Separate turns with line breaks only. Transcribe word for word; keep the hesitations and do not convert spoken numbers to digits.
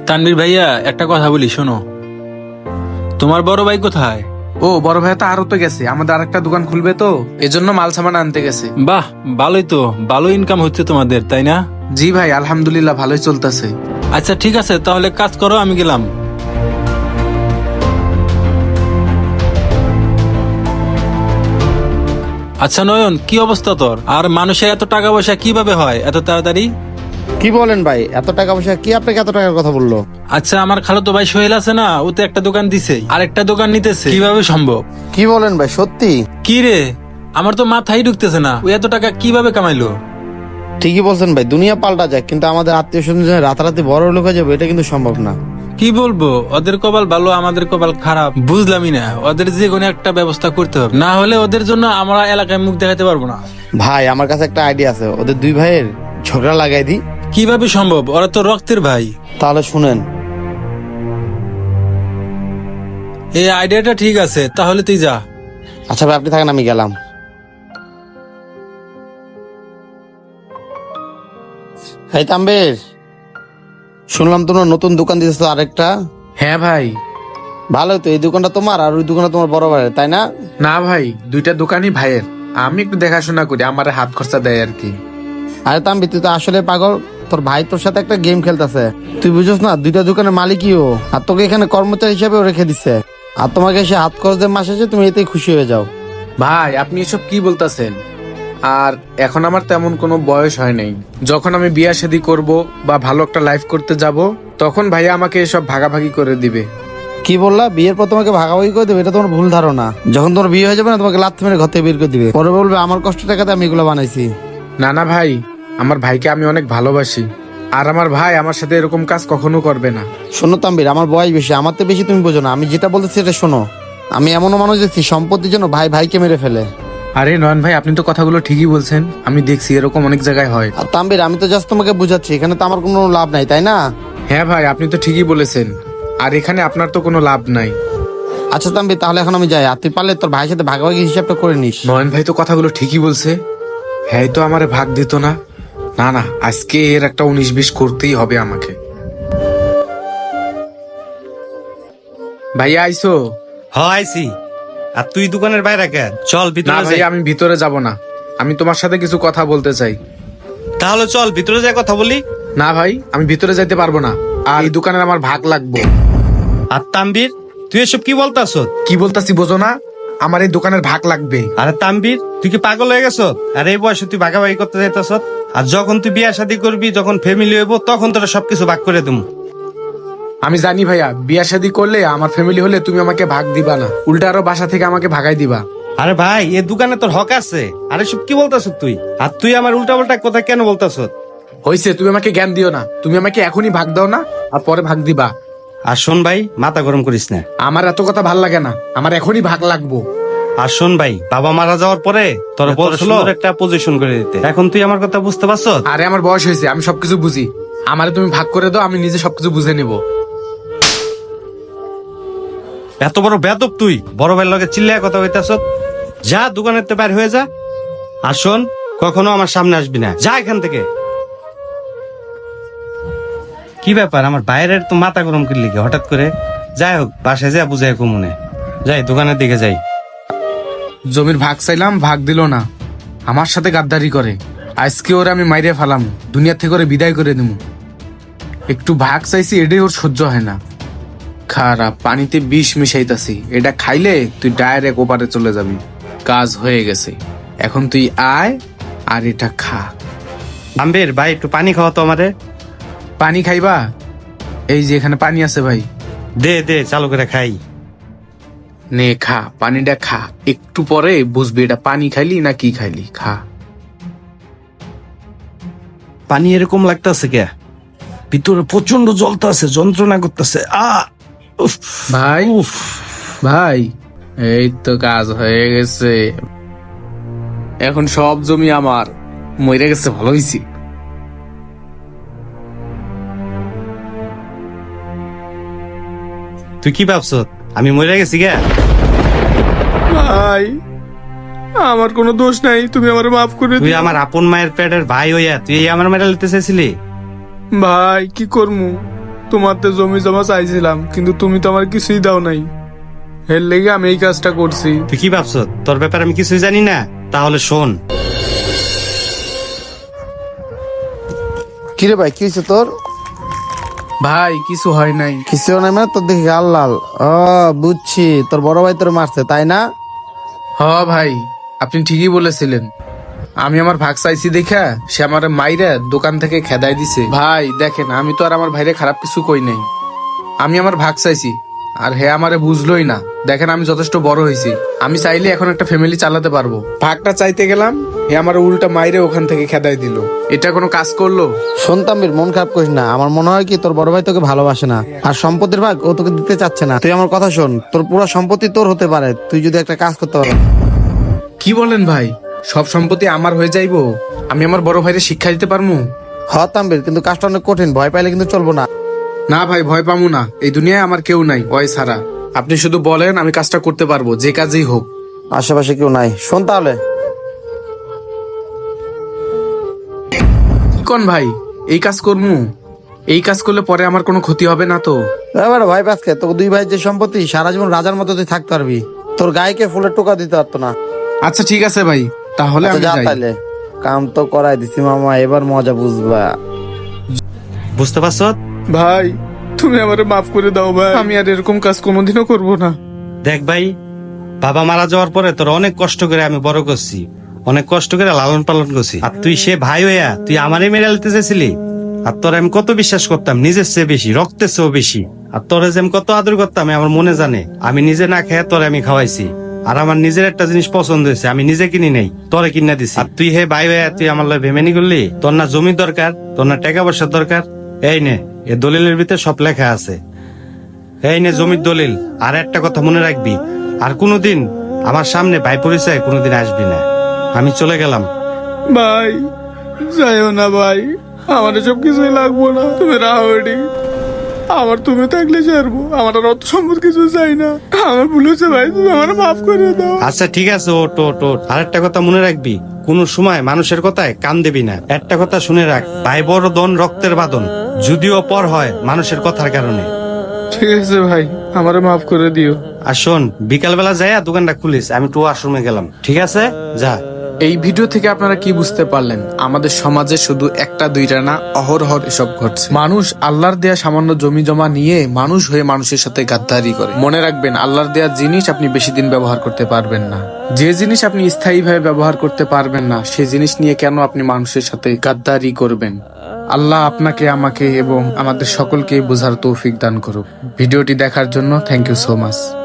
তানভীর ভাইয়া, একটা কথা বলি শোনো। তোমার বড় ভাই কোথায়?
ও বড় ভাই তো আরো তো গেছে, আমাদের আরেকটা দোকান খুলবে তো এজন্য মাল সামান আনতে গেছে।
বাহ, ভালোই তো, ভালো ইনকাম হচ্ছে তোমাদের, তাই না?
জি ভাই, আলহামদুলিল্লাহ ভালোই চলতেছে।
আচ্ছা ঠিক আছে, তাহলে কাজ করো, আমি গেলাম। আচ্ছা নয়ন, কি অবস্থা তোর? আর মানুষের এত টাকা পয়সা কিভাবে হয় এত তাড়াতাড়ি?
কি বলেন ভাই, এত টাকা পয়সা কি আপনাকে এত টাকার কথা বললো?
আচ্ছা, আমার খালাতো ভাই সোহেল আছে না, ও তো একটা দোকান দিছে, আর একটা দোকান নিতেছে, কিভাবে সম্ভব?
কি বলেন ভাই, সত্যি?
কি রে, আমার তো মাথায় ঢুকতেছে না, ও এত টাকা কিভাবে কামাইলো?
ঠিকই বলছেন ভাই, দুনিয়া পাল্টা যায়, কিন্তু আমাদের আত্মীয় স্বজন রাতারাতি বড় লোক হয়ে যাবে এটা কিন্তু সম্ভব না।
কি বলবো, ওদের কপাল ভালো আমাদের কপাল খারাপ, বুঝলামই না। ওদের যে কোনো একটা ব্যবস্থা করতে হবে, না হলে ওদের জন্য আমরা এলাকায় মুখ দেখাতে পারবো না।
ভাই আমার কাছে একটা আইডিয়া আছে, ওদের দুই ভাইয়ের ঝগড়া লাগাই দিই।
কিভাবে সম্ভব? ওরা তো রক্তের ভাই।
তাহলে শুনেন।
এই আইডিয়াটা ঠিক আছে, তাহলে তুই যা।
আচ্ছা ভাই আপনি থাকেন, আমি গেলাম। এই তাম্বের, শুনলাম তোমরা নতুন দোকান দিতেছ আরেকটা।
হ্যাঁ ভাই।
ভালোই তো, এই দোকানটা তোমার আর ওই দোকানটা তোমার বড় ভাইয়ের, তাই না?
না ভাই, দুইটা দোকানই ভাইয়ের, আমি একটু দেখাশোনা করি, আমার হাত খরচা দেয় আর কি।
আরে তাম্বি, তুই তো আসলে পাগল। তোর ভাই তোর সাথে একটা গেম খেলতেছে, তুই বুঝছ না? দুইটা দোকানের মালিকই ও, আর তোকে এখানে কর্মচারী হিসেবে রেখে দিচ্ছে, আর তোমাকে সে হাত খরচ দিয়ে মাস আছে, তুমি এতেই খুশি হয়ে যাও।
ভাই আপনি এসব কি বলতেছেন? আর এখন আমার তেমন কোনো বয়স হয় নাই, যখন আমি বিয়া শাদী করব বা ভালো একটা লাইফ করতে যাব, তখন ভাইয়া আমাকে এসব ভাগাভাগি করে দিবে।
কি বললা? বিয়ের পর তোমাকে ভাগাভাগি করে দেবে? এটা তোমার ভুল ধারণা। যখন তোমার বিয়ে হয়ে যাবে না, তোমাকে লাথি মেরে ঘর থেকে বের করে দিবে, পরে বলবে আমার কষ্ট টাকাতে আমি এগুলো বানাইছি।
না না ভাই, আমার ভাইকে আমি অনেক ভালোবাসি, আর আমার ভাই আমার সাথে এরকম কাজ কখনো করবে না।
শোনো তাম্বির, আমার বয়স বেশি, আমার তো বেশি তুমি বোঝো না, আমি যেটা বলতেছি সেটা শোনো। আমি এমনও মানুষ দেখছি সম্পত্তির জন্য ভাই ভাইকে মেরে ফেলে।
আরে নয়ন ভাই, আপনি তো কথাগুলো ঠিকই বলছেন, আমি দেখছি এরকম অনেক জায়গায় হয়।
আর তাম্বির, আমি তো জাস্ট তোমাকে বুঝাচ্ছি, এখানে তো আমার কোনো লাভ নাই, তাই না?
হ্যাঁ ভাই, আপনি তো ঠিকই বলেছেন, আর এখানে আপনার তো কোনো লাভ নাই।
আচ্ছা তাম্বির, তাহলে এখন আমি যাই, আর তুই পারলে তোর ভাইয়ের সাথে ভাগাভাগি হিসাবটা করে নিস।
নয়ন ভাই তো কথাগুলো ঠিকই বলছে, হ্যাঁ তো আমারে ভাগ দিত না। না না, আজকে এর একটা উনিশ বিশ করতেই হবে আমাকে। ভাইয়া আইসো?
হাইছি। আর তুই দোকানের বাইরে কেন? চল
না
ভিতরে
ভাই,
যাই।
আমি ভিতরে যাব না, আমি তোমার সাথে কিছু কথা বলতে চাই।
তাহলে চল ভিতরে যাই কথা বলি।
না ভাই, আমি ভিতরে যাইতে পারবো না, আর এই দোকানের আমার ভাগ লাগবে।
আর তাম্বির, তুই এসব কি বলতাস?
কি বলতাছি বোঝো না? আমার এই দোকানের ভাগ লাগবে।
আরে তাম্বির, তুই কি পাগল হয়ে গেছ? আর এই বয়সে তুই ভাগাভাগি করতে চাইতাস? আর যখন তুই বিয়া শাদী করবি, যখন ফ্যামিলি হইব, তখন তোরা সবকিছু ভাগ করে দেবো।
আমি জানি ভাইয়া, বিয়া শাদী করলে আমার ফ্যামিলি হলে তুমি আমাকে ভাগ দিবা না, উল্টা আরো বাসা থেকে আমাকে ভাগাই দিবা।
আরে ভাই, এই দোকানে তোর হক আছে। আরে সব কি বলতাস তুই? আর তুই আমার উল্টা পাল্টা কথা কেন বলতাস?
হইছে, তুমি আমাকে জ্ঞান দিও না, তুমি আমাকে এখনই ভাগ দাও না, আর পরে ভাগ দিবা।
আর শোন ভাই, মাথা গরম করিস না।
আমার এত কথা ভাল লাগে না, আমার এখনই ভাগ লাগবো।
আর শোন ভাই, বাবা মারা যাওয়ার পরে তোর বলছিল একটা পজিশন করে দিতে, এখন তুই আমার কথা বুঝতে পারছ?
আরে আমার বয়স হয়েছে, আমি সবকিছু বুঝি, আমারে তুমি ভাগ করে দাও, আমি নিজে সবকিছু বুঝে নেব।
এত বড় বেদব তুই, বড় ভাইয়ের লগে চিল্লায় কথা কইতাছ? যা দোকানের তে বাইর হয়ে যা। আর শোন, কখনো আমার সামনে আসবি না, যা এখান থেকে। কি ব্যাপার, আমার বাইরের তো মাথা গরম করলি কি হঠাৎ করে? যাই হোক, বাসায় যা বুঝাই কমুনে যাই, দোকানের দিকে যাই।
জমির ভাগ চাইলাম, ভাগ দিল না, আমার সাথে গাদ্দারি করে। আজকে ওরে আমি মাইরে ফেলাম, দুনিয়া থেকে ওরে বিদায় করে দিব। একটু ভাগ চাইছি, এটাই ওর সহ্য হয় না। খারাপ, পানিতে বিষ মিশাইতাছি, এটা খাইলে তুই ডাইরেক্ট ওপারে চলে যাবি। কাজ হয়ে গেছে, এখন তুই আয় আর এটা খা।
আম্বের ভাই, একটু পানি খাওয়া তো আমারে।
পানি খাইবা? এই যে এখানে পানি আছে ভাই,
দে দে, চালু করে খাই।
নে খা, পানিটা খা, একটু পরে বুঝবি এটা পানি খাইলি না কি খাইলি। খা।
পানি এরকম লাগতেছে কে? ভিতরে প্রচন্ড জ্বলতেছে, যন্ত্রণা করতেছে। আ
ভাই, ভাই এই তো কাজ হয়ে গেছে, এখন সব জমি আমার। মরে গেছে, ভালো হয়েছি।
তুই কি ভাবছ আমি মরে গেছি গে?
ভাই আমার কোনো দোষ নাই, তুমি আমার মাফ করে
তুই
দিও।
আমার আপন মায়ের পেটের ভাই হইয়া তুই আমার মেরে লিতে চাইছিলি?
ভাই কি করমু, তোমার তো জমি জমা চাইছিলাম, কিন্তু তুমি তো আমার কিছুই দাও নাই। এর লেগে আমি এই কাজটা করছি।
তুই কি ভাবছ তোর ব্যাপারে আমি কিছুই জানি না? তাহলে শোন,
কিরে ভাই, কি হয়েছে তোর?
ভাই কিছু হয় নাই।
কিছু নাই মানে তোর দেখি গাল লাল। ও বুঝছি, তোর বড় ভাই তোর মারছে তাই না?
হ ভাই, আপনি ঠিকই বলেছিলেন। আমি আমার ভাগ চাইছি দেখা সে আমার মাইরা দোকান থেকে খেদাই দিছে। ভাই দেখেন, আমি তো আর আমার ভাইরে খারাপ কিছু কই নাই। আমি আমার ভাগ চাইছি, আর হে আমারে বুঝলোই না। দেখেন আমি যথেষ্ট বড় হয়েছি, আমি চাইলে এখন একটা ফ্যামিলি চালাতে পারবো। ভাগটা চাইতে গেলাম, হে আমার উল্টা মাইরে ওখান থেকে খেদাই দিল। এটা কোনো কাজ করলো?
শুনতাম বীর, মন খারাপ করিস না। আমার মনে হয় কি তোর বড় ভাই তোকে ভালোবাসে না, আর সম্পত্তির ভাগ ও তোকে দিতে চাচ্ছে না। তুই আমার কথা শোন, তোর পুরো সম্পত্তি তোর হতে পারে তুই যদি একটা কাজ করতে পারো।
কি বলেন ভাই? সব সম্পত্তি আমার হয়ে যাইবো? আমি আমার বড় ভাইরে শিক্ষা দিতে পারবো?
হ তাম্বির, কিন্তু কাজটা অনেক কঠিন, ভয় পাইলে কিন্তু চলবো না।
না ভাই, ভয় পাবো না। এই দুনিয়ায় আমার কেউ নাই ওই ছাড়া। আপনি শুধু বলেন, আমি কাজটা করতে পারবো, যে কাজেই হোক।
আশেপাশে কেউ নাই, শোন তাহলে।
কি কোন ভাই, এই কাজ করবো? এই কাজ করলে পরে আমার কোনো ক্ষতি হবে না তো?
এবার ভাই পাসকে তোকে দুই ভাই যে সম্পত্তি, সারা জীবন রাজার মতো তুই থাকতে পারবি। তোর গায়েকে ফুলের টোকা দিতে পারতো না।
আচ্ছা ঠিক আছে ভাই, তাহলে
আচ্ছা,
আমি
যা
যাই।
তাইলে, কাম তো করাই দিছি মামা, এবার মজা বুঝবা।
বুঝতে পারছ?
ভাই তুমি আমারে মাফ করে দাও ভাই, আমি আর এরকম কাজ কোনোদিনও করব না।
দেখ ভাই, বাবা মারা যাওয়ার পরে তোর অনেক কষ্ট করে আমি বড় করছি, অনেক কষ্ট করে লালন পালন করছি। আর তুই সে ভাই হইয়া তুই আমারই মেরে নিতে চাইছিলি? আর তোর আমি কত বিশ্বাস করতাম, নিজের চেয়ে বেশি, রক্তের চেয়েও বেশি। আর তোরে যে আমি কত আদর করতাম আমার মনে জানে। আমি নিজে না খেয়ে তোরে আমি খাওয়াইছি। আর আমার নিজের একটা জিনিস পছন্দ হয়েছে, আমি নিজে কিনি নাই, তোরে কিনা দিছি। আর তুই হে ভাই হইয়া তুই আমার লয় ভেমেনি করলি? তোর না জমির দরকার, তোর না টাকা পয়সার দরকার? এই নে, এ দলিলের ভিতরে সব লেখা আছে। এই নে জমির দলিল। আর একটা কথা মনে রাখবি, আর কোনোদিন আমার সামনে ভাই পরিচয় কোনোদিন আসবি না। আমি চলে গেলাম।
ভাই যাইও না ভাই, আমার এসব কিছুই লাগবো না, তুমি রাহরি। আমার তুমি থাকলে ছাড়বো, আমার আর অত সম্পদ কিছু চাই না। আমার ভুল হয়েছে ভাই, তুমি আমার মাফ করে দাও।
আচ্ছা ঠিক আছে, ওট ওট ওট। আর একটা কথা মনে রাখবি, কোন সময় মানুষের কথায় কান দিবি না। একটা কথা শুনে রাখ, ভাই বড় দন রক্তের বাঁধন, যদিও পর হয় মানুষের কথার কারণে।
ঠিক আছে ভাই, আমারে মাফ করে দিও।
আর শোন, বিকালবেলা যাইয়া দোকানটা খুলিস, আমি টু আশ্রমে গেলাম। ঠিক আছে, যা।
এই ভিডিও থেকে আপনারা কি বুঝতে পারলেন? আমাদের সমাজে শুধু একটা দুইটা না, অহরহর এসব ঘটছে। মানুষ আল্লাহর দেয়া সামান্য জমি জমা নিয়ে মানুষ হয়ে মানুষের সাথে গাদ্দারি করে। মনে রাখবেন, আল্লাহর দেয়া জিনিস আপনি বেশি দিন ব্যবহার করতে পারবেন না। যে জিনিস আপনি স্থায়ীভাবে ব্যবহার করতে পারবেন না, সেই জিনিস নিয়ে কেন আপনি মানুষের সাথে গাদ্দারি করবেন? আল্লাহ আপনাকে, আমাকে এবং আমাদের সকলকে বোঝার তৌফিক দান করুক। ভিডিওটি দেখার জন্য থ্যাংক ইউ সো মাচ।